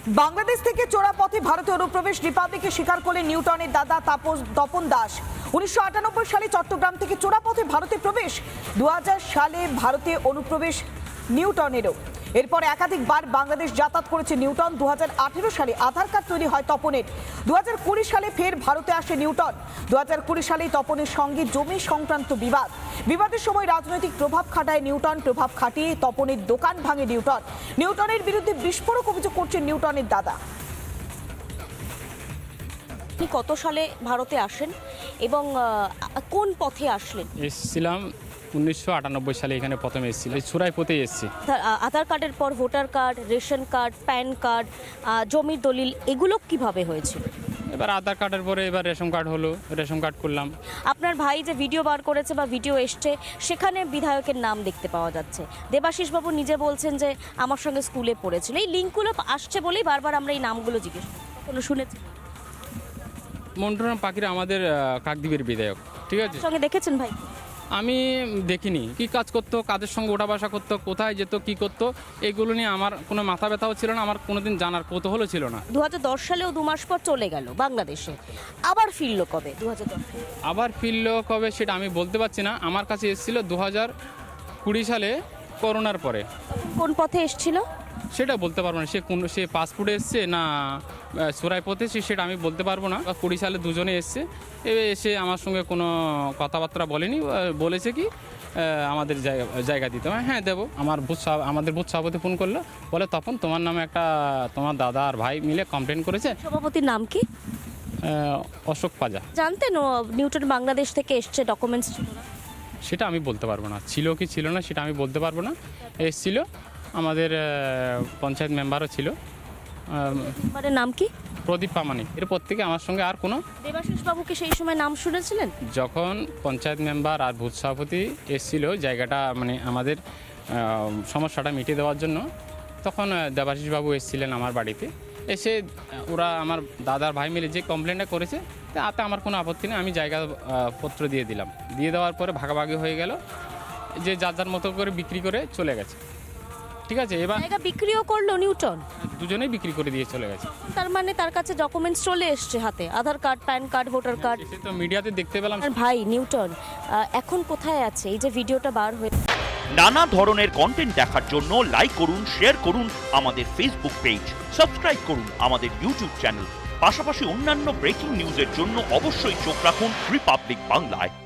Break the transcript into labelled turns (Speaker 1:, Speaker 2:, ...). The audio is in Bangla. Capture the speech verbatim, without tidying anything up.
Speaker 1: বাংলাদেশ থেকে চোরা পথে ভারতে অনুপ্রবেশ রিপাবলিকে স্বীকার করলেন নিউটনের দাদা তাপস তপন দাস। উনিশশো আটানব্বই সালে চট্টগ্রাম থেকে চোরা পথে ভারতে প্রবেশ, দু হাজার সালে ভারতে অনুপ্রবেশ নিউটনেরও। এরপর একাধিকবার বাংলাদেশ যাতায়াত করেছে নিউটন। দু হাজার আঠেরো সালে আধার কার্ড তৈরি হয় তপনের। দু হাজার কুড়ি সালে ফের ভারতে আসে নিউটন। দু হাজার কুড়ি সালে তপনের সঙ্গে জমি সংক্রান্ত বিবাদ বিবাদের সময় রাজনৈতিক প্রভাব খাটায় নিউটন। প্রভাব খাটিয়ে তপনের দোকান ভাঙে নিউটন। নিউটনের বিরুদ্ধে বিস্ফোরক অভিযোগ করছেন নিউটনের দাদা।
Speaker 2: কত সালে ভারতে আসেন এবং কোন পথে আসলেন?
Speaker 3: এসেছিলাম উনিশশো আটানব্বই সালে, এখানে প্রথমে এসেছিল, চুরাই পথে এসেছি।
Speaker 2: আধার কার্ডের পর voter card, ration card, PAN card, জমির দলিল, এগুলো কিভাবে হয়েছিল?
Speaker 3: এবার আধার কার্ডের পরে এবার রেশন কার্ড হলো, রেশন কার্ড করলাম।
Speaker 2: আপনার ভাই যে ভিডিও বার করেছে বা ভিডিও এসছে, সেখানে বিধায়কের নাম দেখতে পাওয়া যাচ্ছে। দেবাশিস বাবু নিজে বলছেন যে আমার সঙ্গে স্কুলে পড়েছিল। এই লিঙ্কগুলো আসছে বলেই বারবার আমরা এই নামগুলো জিজ্ঞেস করি। কোনো শুনেছি?
Speaker 3: মন্টুরাম পাখিরা আমাদের কাকদ্বীপের বিধায়ক, ঠিক আছে।
Speaker 2: সঙ্গে দেখেছেন ভাই?
Speaker 3: আমি দেখিনি কি কাজ করতো, কাদের সঙ্গে ওঠা বসা করতো, কোথায় যেত, কি করতো, এগুলো নিয়ে আমার কোনো মাথা ব্যথাও ছিল না, আমার কোনোদিন জানার কৌতূহলও ছিল না।
Speaker 2: দু হাজার দশ সালেও দু মাস পর চলে গেল বাংলাদেশে, আবার ফিরলো কবে? দু হাজার দশ
Speaker 3: আবার ফিরলো কবে সেটা আমি বলতে পারছি না। আমার কাছে এসেছিল দু হাজার কুড়ি সালে করোনার পরে।
Speaker 2: কোন পথে এসেছিল
Speaker 3: সেটা বলতে পারবো না, সে কোন সে পাসপোর্টে এসছে না সুরাই পথে এসছে সেটা আমি বলতে পারবো না। কুড়ি সালে দুজনে এসছে, এবার এসে আমার সঙ্গে কোনো কথাবার্তা বলেনি। বলেছে কি আমাদের জায়গা জায়গা দিতে হবে, হ্যাঁ দেবো। আমার বুথ আমাদের বুথ সভাপতি ফোন করলো, বলে তখন তোমার নামে একটা তোমার দাদা আর ভাই মিলে কমপ্লেন করেছে।
Speaker 2: সভাপতির নাম কি?
Speaker 3: অশোক পাজা।
Speaker 2: জানতেন ও নিউটন বাংলাদেশ থেকে এসছে, ডকুমেন্টস ছিল না?
Speaker 3: সেটা আমি বলতে পারবো না, ছিল কি ছিল না সেটা আমি বলতে পারবো না। এসছিল, আমাদের পঞ্চায়েত মেম্বারও ছিল।
Speaker 2: মেম্বারের নাম কি?
Speaker 3: প্রদীপ পামানি। এরপর থেকে আমার সঙ্গে আর কোনো।
Speaker 2: দেবাশিস বাবুকে সেই সময় নাম শুনেছিলেন?
Speaker 3: যখন পঞ্চায়েত মেম্বার আর বুথ সভাপতি এসেছিল জায়গাটা মানে আমাদের সমস্যাটা মিটিয়ে দেওয়ার জন্য, তখন দেবাশিস বাবু এসেছিলেন আমার বাড়িতে। এসে ওরা আমার দাদার ভাই মিলে যে কমপ্লেনটা করেছে তাতে আমার কোনো আপত্তি নেই, আমি জায়গা পত্র দিয়ে দিলাম। দিয়ে দেওয়ার পরে ভাগাভাগি হয়ে গেল, যে যার যার মতো করে বিক্রি করে চলে গেছে, ঠিক আছে। এবার
Speaker 2: জায়গা বিক্রিও করলো নিউটন,
Speaker 3: দুজনেই বিক্রি করে দিয়ে চলে গেছে।
Speaker 2: তার মানে তার কাছে ডকুমেন্টস চলে এসছে হাতে, Aadhaar card, PAN card, voter card.
Speaker 3: সে তো মিডিয়াতে দেখতে পেলাম।
Speaker 2: আর ভাই নিউটন এখন কোথায় আছে? এই যে ভিডিওটা বার হয়ে
Speaker 4: নানা ধরনের কন্টেন্ট দেখার জন্য লাইক করুন, শেয়ার করুন আমাদের ফেসবুক পেজ, সাবস্ক্রাইব করুন আমাদের ইউটিউব চ্যানেল। পাশাপাশি অন্যান্য ব্রেকিং নিউজের জন্য অবশ্যই চোখ রাখুন রিপাবলিক বাংলায়।